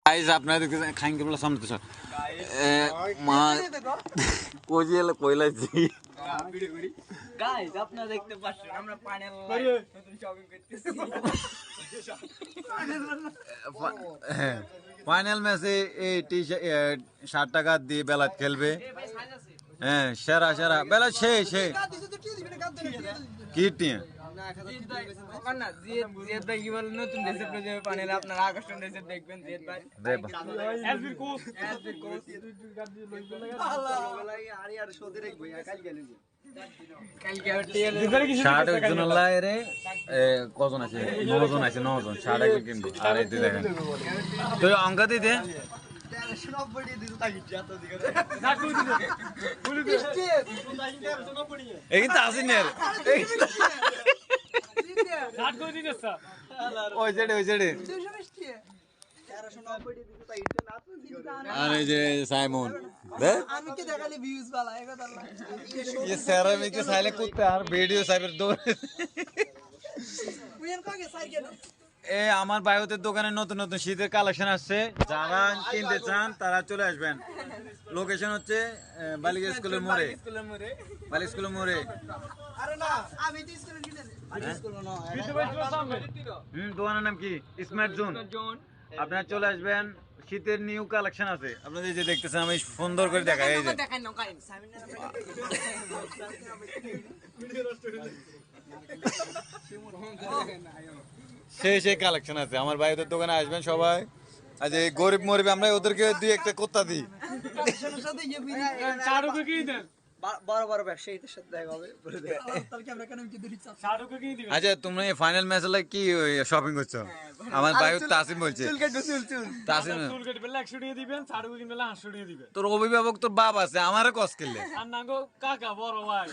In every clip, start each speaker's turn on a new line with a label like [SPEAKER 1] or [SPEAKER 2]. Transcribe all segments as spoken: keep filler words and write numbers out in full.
[SPEAKER 1] guys আপনারা দেখতেছেন খাইন কেবল সামনে তো মা কোজিলে কইলাছি ভিডিও করি গাইস আপনারা দেখতে পাচ্ছেন আমরা প্যানেল নতুন শপিং করতেছি ফাইনাল ম্যাচে এই টি ষাট টাকা দিয়ে বেলাত খেলবে হ্যাঁ সেরা সেরা বেলা সে সে কি টিম না জিএদ জিএদ ভাই কি বলেন নতুন ড্রেসে প্রজেক্ট প্যানেলে আপনারা আকর্ষণ ড্রেসে দেখবেন জিএদ ভাই এসবির কোচ এসবির কোচ দুই গাদ দিয়ে লইবে লাগা আল্লাহ বেলায় আরি আর শোধে রাখবো কাল গেলে কালকে টিএল ষাট জন লাইরে কজন আছে নয় জন আছে নয় জন ষাট টাকা কিনবে আর এই দেখেন তো অঙ্ক দি দে কিন্তু আসি না ওই জেডে ওই জেডে আরে যে সাইমন আমি কে দেখালি ভিউজ वाला है কথা না ये सेरामिक के साले कुत्ते यार वीडियो साइबर दो পুয়েন কাকে সাইকেল এ আমার বায়ুতের দোকানে নতুন নতুন শীতের কালেকশন আসছে যারা কিনতে চান তারা চলে আসবেন লোকেশন হচ্ছে বালিকা স্কুলের মোড়ে স্কুলের মোড়ে বালিকা স্কুলের মোড়ে আরে না আমি তো স্কুলে কিনে আমি স্কুলে না হুম দোকানের নাম কি স্মার্ট জোন আপনারা চলে আসবেন শীতের নিউ কালেকশন আছে আপনারা যে দেখতেছেন আমি সুন্দর করে দেখাই এই যে দেখাই না কাই সেই সেই কালেকশন আছে আমার ভাইদের দোকানে আসবেন সবাই আজ এই গরিব মরিব আমরা ওদেরকে দুই একটা কোত্তা দিই বড় বড় ব্যবসায়ীদের সাথে দেখা হবে আচ্ছা তোমরা এই ফাইনাল ম্যাচে লাগে কি শপিং করছো আমার ভাই তাসিম বলছে তাসিম একশো টাকা দিবেন চারু কিনলে আটশো টাকা দিবেন তোর অভিভাবক তোর বাপ আছে আমারও কস করলে আর না গো কাকা বড় ভাই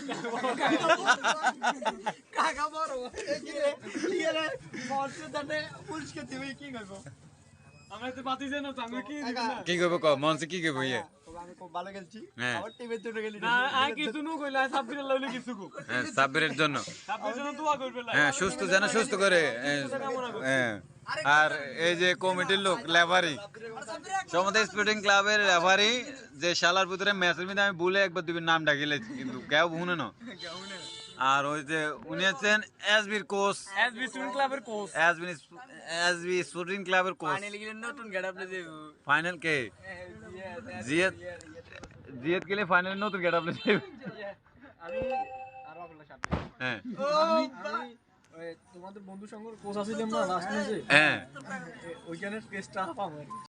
[SPEAKER 1] কাকা বড় কি রে কি রে মরছে তাতে পুলিশকে দিবে কি করব আমরা তো বাতি জানো তো আমি কি দিব না কি করব ক মনসে কি করব ইয়ে আমি খুব ভালো খেলছি আমার টিমে চলে গেলি না আই কিছু নো কইলা সাব্বিরের লাইলে কিছু কো হ্যাঁ সাব্বিরের জন্য সাব্বিরের জন্য দোয়া করবে হ্যাঁ সুস্থ যেন সুস্থ করে হ্যাঁ আর এই যে কমিটির লোক লেভারি সমুদ্র স্পোর্টিং ক্লাবের লেভারি যে শালার ভিতরে ম্যাচের মধ্যে আমি ভুলে একবার দুই নাম ডাকিলে কিন্তু কেউ শুনে না আর ওই যে উনি আছেন এসবির কোচ এসবি স্পোর্টিং ক্লাবের কোচ এসবি এসবি স্পোর্টিং ক্লাবের কোচ ফাইনাল গেলে নতুন গেটআপ লে যাবো ফাইনাল কে জিএত জিএত গেলে ফাইনাল নতুন গেটআপ লে যাবো আমি আর বাকলা সাথে হ্যাঁ ওই তোমাদের বন্ধু সংঘর কোচ আছিল না লাস্ট ম্যাচে হ্যাঁ ওইখানে টেস্টটা পাবো